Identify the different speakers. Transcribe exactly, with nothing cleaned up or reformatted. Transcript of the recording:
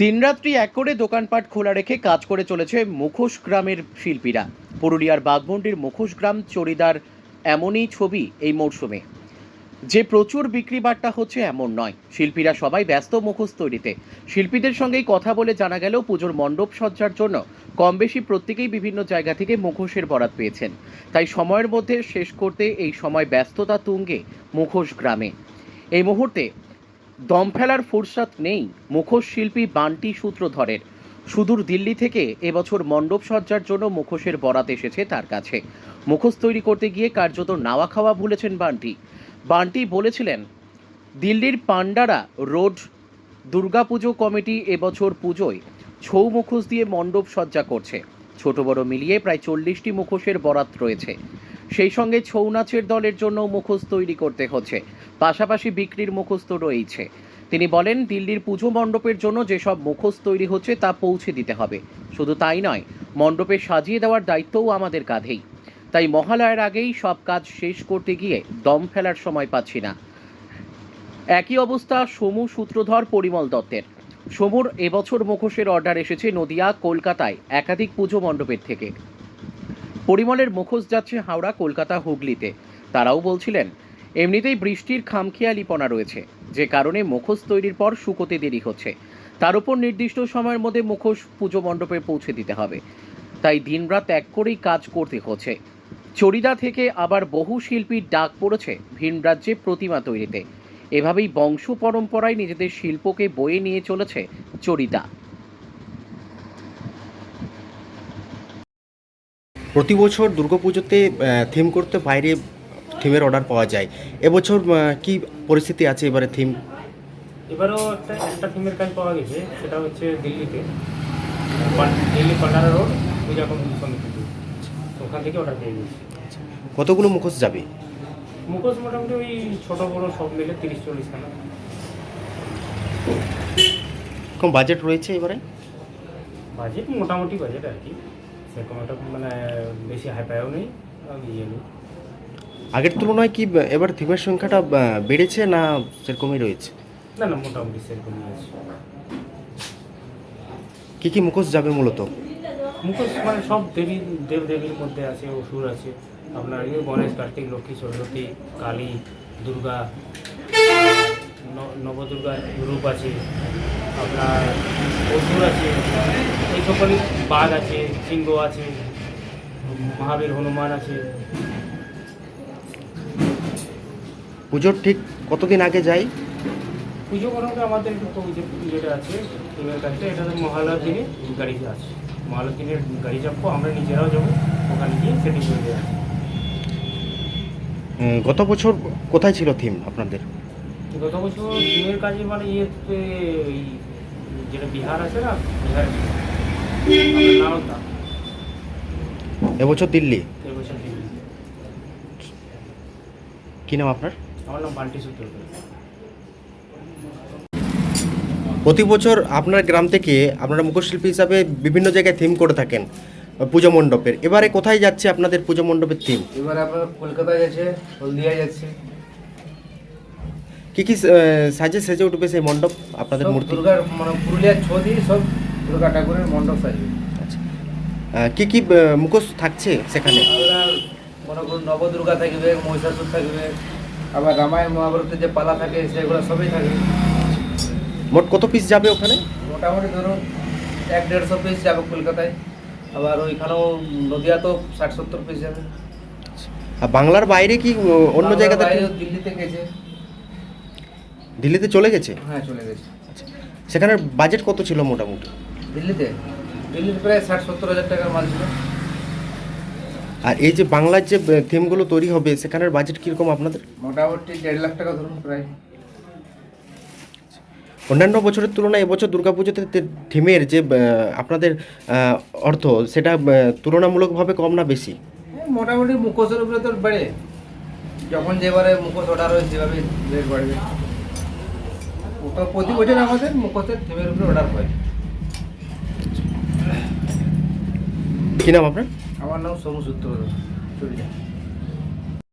Speaker 1: দিনরাত্রি এক করে দোকানপাট খোলা রেখে কাজ করে চলেছে মুখোশ গ্রামের শিল্পীরা। পুরুলিয়ার বাঘমুন্ডির মুখোশ গ্রাম চড়িদার এমনই ছবি এই মরশুমে। যে প্রচুর বিক্রি বাট্টা হচ্ছে এমন নয়, শিল্পীরা সবাই ব্যস্ত মুখোশ তৈরিতে। শিল্পীদের সঙ্গেই কথা বলে জানা গেল পুজোর মণ্ডপ সজ্জার জন্য কম বেশি প্রত্যেকেই বিভিন্ন জায়গা থেকে মুখোশের বরাত পেয়েছেন। তাই সময়ের মধ্যে শেষ করতে এই সময় ব্যস্ততা তুঙ্গে মুখোশ গ্রামে। এই মুহূর্তে দম ফেলার ফুরসত নেই মুখোশ শিল্পী বান্টি সূত্রধরের। সুদূর দিল্লি থেকে এবছর মণ্ডপ সজ্জার জন্য মুখোশের বরাত এসেছে তার কাছে। মুখোশ তৈরি করতে গিয়ে কার্যত নাওয়া খাওয়া ভুলেছেন বান্টি। বান্টি বলেছিলেন, দিল্লির পান্ডারা রোড দুর্গাপুজো কমিটি এবছর পুজোয় ছৌ মুখোশ দিয়ে মণ্ডপ সজ্জা করছে। ছোট বড় মিলিয়ে প্রায় চল্লিশটি মুখোশের বরাত রয়েছে। সেই সঙ্গে ছৌ নাচের দলের জন্য মুখোশ তৈরি করতে হচ্ছে, পাশাপাশি বিক্রির মুখোশ তো রয়েছে। তিনি বলেন, দিল্লির পুজো মণ্ডপের জন্য যেসব মুখোশ তৈরি হচ্ছে তা পৌঁছে দিতে হবে। শুধু তাই নয়, মণ্ডপে সাজিয়ে দেওয়ার দায়িত্বও আমাদের কাঁধেই। তাই মহালয়ার আগেই সব কাজ শেষ করতে গিয়ে দম ফেলার সময় পাচ্ছি না। একই অবস্থা সমু সূত্রধর পরিমল দত্তের। সমুর এবছর মুখোশের অর্ডার এসেছে নদিয়া, কলকাতায় একাধিক পুজো মণ্ডপের থেকে। পরিমলের মুখোশ যাচ্ছে হাওড়া, কলকাতা, হুগলিতে। তারাও বলছিলেন, এমনিতেই বৃষ্টির খামখেয়ালিপনা রয়েছে, যে কারণে মুখোশ তৈরির পর শুকোতে দেরি হচ্ছে। তার উপর নির্দিষ্ট সময়ের মধ্যে মুখোশ পুজো মণ্ডপে পৌঁছে দিতে হবে, তাই দিনরাত এক করেই কাজ করতে হচ্ছে। চড়িদা থেকে আবার বহু শিল্পীর ডাক পড়েছে ভিন রাজ্যে প্রতিমা তৈরিতে। এভাবেই বংশ পরম্পরায় নিজেদের শিল্পকে বয়ে নিয়ে চলেছে চড়িদা।
Speaker 2: প্রতি বছর দুর্গাপুজোতে থিম করতে বাইরে থিমের অর্ডার পাওয়া যায়। এবছর কি পরিস্থিতি আছে এবারে থিম?
Speaker 3: এবারেও একটা একটা থিমের কাজ পাওয়া গেছে, সেটা হচ্ছে দিল্লিতে, দিল্লি পান্ডারা রোড পূজা সমিতি, ওখান থেকে অর্ডার পেয়ে গেছি।
Speaker 2: কতগুলো মুখোশ যাবে?
Speaker 3: মুখোশ মোটামুটি ওই ছোটো বড়ো সব মিলে তিরিশ চল্লিশ খানা।
Speaker 2: কম বাজেট রয়েছে এবারে?
Speaker 3: বাজেট মোটামুটি বাজেট আর কি, সেরকম একটা মানে বেশি হাই পাইও নেই, ইয়ে নেই।
Speaker 2: আগের তুলনায় কি এবার থিমের সংখ্যাটা বেড়েছে না সেরকমই রয়েছে?
Speaker 3: না না, মোটামুটি সেরকমই আছে।
Speaker 2: কী কী মুখোশ যাবে মূলত?
Speaker 3: মুখোশ মানে সব দেবী দেব দেবীর মধ্যে আছে, অসুর আছে, আপনার ইয়ে গণেশ, কার্তিক, লক্ষ্মী, সরস্বতী, কালী, দুর্গা, নবদুর্গার রূপ আছে, আপনার অসুর আছে, এই সকলই, বাঘ আছে, সিংহ আছে, মহাবীর, হনুমান আছে।
Speaker 2: পুজোর ঠিক কতদিন আগে যাই?
Speaker 3: পুজো করাতে আমাদের তো যে যেটা আছে টিমের কাছে, এটা তো মহালয়ার দিনে গাড়ি আছে, মহালয়ার দিনের গাড়ি চাপবো, আমরা নিজেরাও যাবো ওখানে গিয়ে সেটিং করে দেওয়া আছে।
Speaker 2: গত বছর কোথায় ছিল থিম আপনাদের?
Speaker 3: গত বছর টিমের কাজে মানে ইয়েতে ওই যেটা বিহার আছে না, বিহার নালন্দা।
Speaker 2: এবছর দিল্লি।
Speaker 3: এবছর দিল্লি।
Speaker 2: কী নাম আপনার?
Speaker 3: আমার নাম বান্টি সূত্রধর।
Speaker 2: প্রতি বছর আপনার গ্রাম থেকে আপনারা মুখোশশিল্পী হিসাবে বিভিন্ন জায়গায় থিম করে থাকেন পুজো মণ্ডপের। এবারে কোথায় যাচ্ছে আপনাদের পুজো মণ্ডপের থিম?
Speaker 4: এবার আপনার কলকাতায় যাচ্ছে, হলদিয়া যাচ্ছে।
Speaker 2: কী কী সাজে সেজে উঠবে সেই মণ্ডপ আপনাদের
Speaker 4: সব
Speaker 2: মূর্তি?
Speaker 4: দুর্গার মানে পুরুলিয়ার ছবি, সব দুর্গা ঠাকুরের মণ্ডপ সাজবে।
Speaker 2: আচ্ছা, কী কী মুখোশ থাকছে সেখানে?
Speaker 4: আপনার মনে করুন নবদুর্গা থাকবে, মহিষাসুর থাকবে, আবার রামায়ণ মহাভারতের যে পালা থাকে সেগুলো সবই থাকবে।
Speaker 2: মোট কত পিস যাবে ওখানে?
Speaker 4: মোটামুটি ধরুন এক দেড়শো পিস যাবে কলকাতায়, আবার ওইখানেও নদিয়া তো ষাট সত্তর পিস যাবে।
Speaker 2: আর বাংলার বাইরে কি অন্য জায়গাতে?
Speaker 4: দিল্লিতে গেছে।
Speaker 2: দিল্লিতে চলে গেছে?
Speaker 4: হ্যাঁ, চলে গেছে।
Speaker 2: আচ্ছা, সেখানে বাজেট কত ছিল মোটামুটি?
Speaker 4: দিল্লিতে দিল্লিতে প্রায় ষাট সত্তর হাজার টাকার মাল ছিল।
Speaker 2: আর এই যে বাংলার যে থিমগুলো তৈরি হবে সেখানের বাজেট কীরকম আপনাদের?
Speaker 4: মোটামুটি দেড় লাখ টাকা ধরুন প্রায়।
Speaker 2: অন্যান্য বছরের তুলনায় এবছর দুর্গাপুজোতে থিমের যে আপনাদের অর্থ সেটা তুলনামূলকভাবে কম না বেশি?
Speaker 4: মোটামুটি মুখোশের উপরে তো বাড়ে, যখন যেবারে মুখোশ অর্ডার হয় সেভাবে রেট বাড়বে। ওটা প্রতি বছর আমাদের মুখোশের থিমের উপরে অর্ডার হয়।
Speaker 2: কী নাম আপনার?
Speaker 4: আমার নাম সমু সূত্রধর, চলে যায়।